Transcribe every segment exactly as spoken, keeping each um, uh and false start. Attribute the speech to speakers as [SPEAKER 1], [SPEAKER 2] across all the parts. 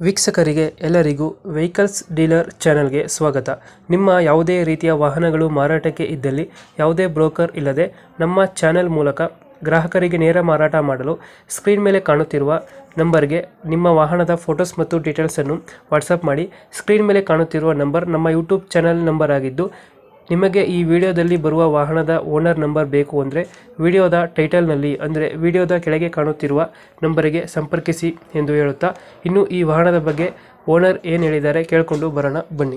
[SPEAKER 1] ವೀಕ್ಷಕರಿಗೆ ಎಲ್ಲರಿಗೂ vehicles dealer ಚಾನೆಲ್ಗೆ ಸ್ವಾಗತ. ನಿಮ್ಮ ಯಾವುದೇ ರೀತಿಯ ವಾಹನಗಳು ಮಾರಾಟಕ್ಕೆ ಇದ್ದಲ್ಲಿ ಯಾವುದೇ ಬ್ರೋಕರ್ ಇಲ್ಲದೆ ನಮ್ಮ ಚಾನೆಲ್ ಮೂಲಕ ಗ್ರಾಹಕರಿಗೆ ನೇರ ಮಾರಾಟ ಮಾಡಲು ಸ್ಕ್ರೀನ್ ಮೇಲೆ ಕಾಣುತ್ತಿರುವ ನಂಬರ್ಗೆ ನಿಮ್ಮ ವಾಹನದ ಫೋಟೋಸ್ ಮತ್ತು ಡೀಟೇಲ್ಸನ್ನು ವಾಟ್ಸಪ್ ಮಾಡಿ. ಸ್ಕ್ರೀನ್ ಮೇಲೆ ಕಾಣುತ್ತಿರುವ ನಂಬರ್ ನಮ್ಮ ಯೂಟ್ಯೂಬ್ ಚಾನೆಲ್ ನಂಬರ್ ಆಗಿದ್ದು, ನಿಮಗೆ ಈ ವಿಡಿಯೋದಲ್ಲಿ ಬರುವ ವಾಹನದ ಓನರ್ ನಂಬರ್ ಬೇಕು ಅಂದರೆ ವಿಡಿಯೋದ ಟೈಟಲ್ನಲ್ಲಿ ಅಂದರೆ ವಿಡಿಯೋದ ಕೆಳಗೆ ಕಾಣುತ್ತಿರುವ ನಂಬರಿಗೆ ಸಂಪರ್ಕಿಸಿ ಎಂದು ಹೇಳುತ್ತಾ, ಇನ್ನು ಈ ವಾಹನದ ಬಗ್ಗೆ ಓನರ್ ಏನು ಹೇಳಿದ್ದಾರೆ ಕೇಳಿಕೊಂಡು ಬರೋಣ ಬನ್ನಿ.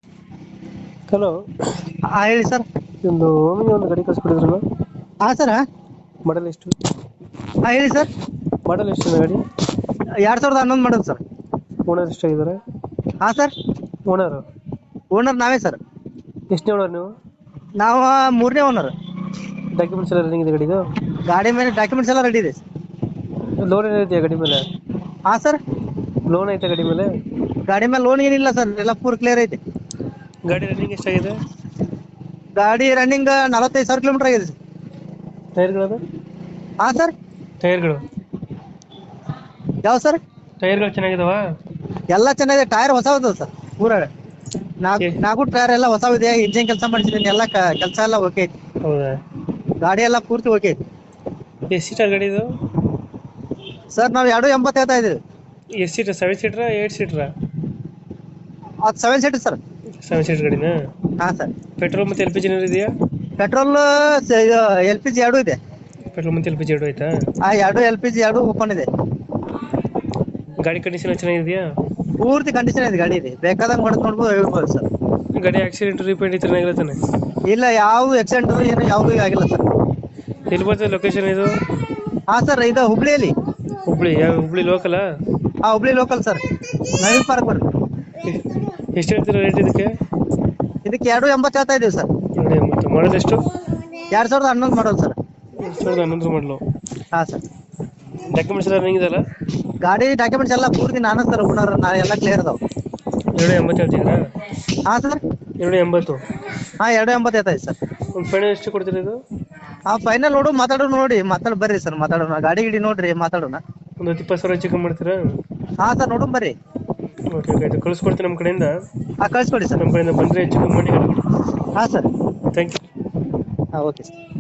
[SPEAKER 1] ಹಲೋ,
[SPEAKER 2] ಹಾ ಹೇಳಿ ಸರ್.
[SPEAKER 1] ಒಂದು ಓಮಿನಿ ಒಂದು ಗಾಡಿ ಕಳಿಸ್ಕೊಡಿದ್ರಲ್ಲ,
[SPEAKER 2] ಹಾ ಸರ್.
[SPEAKER 1] ಮಾಡಲ್ ಎಷ್ಟು?
[SPEAKER 2] ಹಾ ಹೇಳಿ ಸರ್.
[SPEAKER 1] ಮಾಡಲ್ ಎಷ್ಟು ಗಾಡಿ?
[SPEAKER 2] ಎರಡ್ ಸಾವಿರದ ಹನ್ನೊಂದು ಮಾಡೋದು ಸರ್.
[SPEAKER 1] ಓನರ್ ಎಷ್ಟಾಗಿದ್ದಾರೆ?
[SPEAKER 2] ಹಾ ಸರ್.
[SPEAKER 1] ಓನರ್
[SPEAKER 2] ಓನರ್ ನಾವೇ ಸರ್.
[SPEAKER 1] ಎಷ್ಟನೇ ಓನರ್ ನೀವು?
[SPEAKER 2] ನಾವು ಮೂರನೇ ಓನರ್.
[SPEAKER 1] ಡಾಕ್ಯುಮೆಂಟ್ಸ್ ಎಲ್ಲ ರನ್ನಿಂಗ್ ಇದೆ ಗಾಡಿದು?
[SPEAKER 2] ಗಾಡಿ ಮೇಲೆ ಡಾಕ್ಯುಮೆಂಟ್ಸ್ ಎಲ್ಲ ರೆಡಿ ಇದೆ.
[SPEAKER 1] ಲೋನ್ ಏನೈತೆ ಗಾಡಿ ಮೇಲೆ?
[SPEAKER 2] ಹಾ ಸರ್.
[SPEAKER 1] ಲೋನ್ ಐತೆ ಗಾಡಿ ಮೇಲೆ?
[SPEAKER 2] ಗಾಡಿ ಮೇಲೆ ಲೋನ್ ಏನಿಲ್ಲ ಸರ್, ಎಲ್ಲ ಪೂರ್ ಕ್ಲಿಯರ್ ಐತೆ.
[SPEAKER 1] ಗಾಡಿ ರನ್ನಿಂಗ್ ಎಷ್ಟಾಗಿದೆ?
[SPEAKER 2] ಗಾಡಿ ರನ್ನಿಂಗ್ ನಲವತ್ತೈದು ಸಾವಿರ ಕಿಲೋಮೀಟರ್ ಆಗಿದೆ ಸರ್.
[SPEAKER 1] ಟೈರ್ಗಳು?
[SPEAKER 2] ಹಾ ಸರ್.
[SPEAKER 1] ಟೈರ್ಗಳು
[SPEAKER 2] ಯಾವ ಸರ್?
[SPEAKER 1] ಟೈರ್ಗಳು ಚೆನ್ನಾಗಿದಾವ?
[SPEAKER 2] ಎಲ್ಲ ಚೆನ್ನಾಗಿದೆ. ಟೈರ್ ಹೊಸ ಇದೆ ಸರ್. ಪೂರ ನಾಲ್ಕು ನಾಲ್ಕು ಟೈರ್ ಎಲ್ಲ ಹೊಸ ಇದೆ. ಇಂಜಿನ್ ಕೆಲಸ ಮಾಡಿಸಿದ್ದೀನಿ, ಎಲ್ಲ ಕೆಲಸ ಎಲ್ಲ ಓಕೆ ಐತಿ.
[SPEAKER 1] ಹೌದಾ?
[SPEAKER 2] ಗಾಡಿ ಎಲ್ಲ ಪೂರ್ತಿ ಓಕೆ ಐತಿ.
[SPEAKER 1] ಎಷ್ಟು ಸೀಟರ್ ಗಾಡಿ ಇದು?
[SPEAKER 2] ಸರ್ ನಾವು ಎರಡು ಎಂಬತ್ತು ಹೇಳ್ತಾ ಇದೀವಿ.
[SPEAKER 1] ಎಷ್ಟು ಸೀಟರ್? ಸೆವೆನ್ ಸೀಟ್ರಾ ಏಟ್ ಸೀಟ್ರಾ?
[SPEAKER 2] ಅದು seven seater sir.
[SPEAKER 1] Seven seater ಗಾಡಿನಾ?
[SPEAKER 2] ಹಾ ಸರ್.
[SPEAKER 1] ಪೆಟ್ರೋಲ್ ಮತ್ತೆ ಎಲ್ ಪಿ ಜಿ ಏನಾದ್ರು ಇದೆಯಾ?
[SPEAKER 2] ಪೆಟ್ರೋಲ್ ಎಲ್ ಪಿ ಜಿ ಎರಡು ಇದೆ.
[SPEAKER 1] ಪೆಟ್ರೋಲ್ ಮತ್ತೆ ಎಲ್ ಪಿ ಜಿ ಎರಡು ಆಯ್ತಾ?
[SPEAKER 2] ಆ ಎರಡು ಎಲ್ ಪಿ ಜಿ ಎರಡು ಓಪನ್ ಇದೆ.
[SPEAKER 1] ಗಾಡಿ ಕಂಡೀಷನ್ ಚೆನ್ನಾಗಿದೆಯಾ?
[SPEAKER 2] ಪೂರ್ತಿ ಕಂಡೀಷನ್ ಇದೆ ಗಾಡಿ ಇದೆ. ಬೇಕಾದಂಗೆ ಹೊಡೆದು ನೋಡ್ಬೋದು, ಹೇಳ್ಬೋದು ಸರ್.
[SPEAKER 1] ಗಾಡಿ ಆಕ್ಸಿಡೆಂಟ್ ರಿಪೇಂಟ್ ಚೆನ್ನಾಗಿಲ್ಲ ತಾನೆ?
[SPEAKER 2] ಇಲ್ಲ, ಯಾವ ಆಕ್ಸಿಡೆಂಟ್ ಏನು ಯಾವುದು ಆಗಿಲ್ಲ ಸರ್.
[SPEAKER 1] ಎಲ್ಲಿ ಬರ್ತದೆ ಲೊಕೇಶನ್ ಇದು?
[SPEAKER 2] ಹಾ ಸರ್, ಇದು ಹುಬ್ಳಿಯಲ್ಲಿ.
[SPEAKER 1] ಹುಬ್ಳಿ? ಯಾವ ಹುಬ್ಳಿ ಲೋಕಲಾ?
[SPEAKER 2] ಹಾ, Hubli local sir. Naveen park ಬರ್ರಿ.
[SPEAKER 1] ಎಷ್ಟು ಹೇಳ್ತೀರಾ ರೇಟ್ ಇದಕ್ಕೆ?
[SPEAKER 2] ಇದಕ್ಕೆ ಎರಡು ಎಂಬತ್ತು ಹೇಳ್ತಾ ಇದೀವಿ ಸರ್.
[SPEAKER 1] ಎರಡು ಎಂಬತ್ತು. ಮಾಡೋದು ಎಷ್ಟು?
[SPEAKER 2] ಎರಡ್ ಸಾವಿರದ ಹನ್ನೊಂದು ಮಾಡೋದು ಸರ್.
[SPEAKER 1] ಎರಡು ಸಾವಿರದ ಹನ್ನೊಂದರ ಮಾಡಲು?
[SPEAKER 2] ಹಾ ಸರ್.
[SPEAKER 1] ಡಾಕ್ಯುಮೆಂಟ್ಸ್ ಎಲ್ಲ ರನ್ನಿಂಗ್ ಇದೆಯಲ್ಲ?
[SPEAKER 2] ಗಾಡಿ ಡಾಕ್ಯುಮೆಂಟ್ಸ್ ಎಲ್ಲ ಪೂರ್ತಿ ನಾನು ಸರ್ ಓನರ್, ನಾ ಎಲ್ಲ ಕ್ಲಿಯರ್ ಅದಾವ.
[SPEAKER 1] ಎರಡು ಎಂಬತ್ತು ಹೇಳ್ತಿದ್ದೀರಾ?
[SPEAKER 2] ಹಾ ಸರ್.
[SPEAKER 1] ಎರಡು ಎಂಬತ್ತು?
[SPEAKER 2] ಹಾ, ಎರಡು ಎಂಬತ್ತು ಹೇಳ್ತಾ ಇದೆ ಸರ್.
[SPEAKER 1] ಒಂದು ಫೈನಲ್ ಎಷ್ಟು ಕೊಡ್ತೀರಾ ಇದು?
[SPEAKER 2] ಹಾ, ಫೈನಲ್ ನೋಡು, ಮಾತಾಡೋಣ. ನೋಡಿ ಮಾತಾಡ್ ಬರ್ರಿ ಸರ್, ಮಾತಾಡೋಣ. ಗಾಡಿ ಗಿಡಿ ನೋಡ್ರಿ, ಮಾತಾಡೋಣ.
[SPEAKER 1] ಒಂದು ಹತ್ತು ಇಪ್ಪತ್ತು ಸಾವಿರ ಚಿಕನ್ ಮಾಡ್ತೀರಾ?
[SPEAKER 2] ಹಾ ಸರ್, ನೋಡು ಬರ್ರಿ.
[SPEAKER 1] ಓಕೆ ಓಕೆ, ಆಯ್ತು, ಕಳಿಸ್ಕೊಡ್ತೀನಿ ನಮ್ಮ ಕಡೆಯಿಂದ.
[SPEAKER 2] ಹಾ, ಕಳಿಸ್ಕೊಡಿ ಸರ್.
[SPEAKER 1] ನಮ್ಮ ಕಡೆಯಿಂದ ಬಂದರೆ ಹೆಚ್ಚು ಕಮ್ಮಿ ಮಾಡಿ ಗಾಡಿ ಕೊಡಿ.
[SPEAKER 2] ಹಾ ಸರ್.
[SPEAKER 1] Thank you.
[SPEAKER 2] ಹಾ, ಓಕೆ ಸರ್.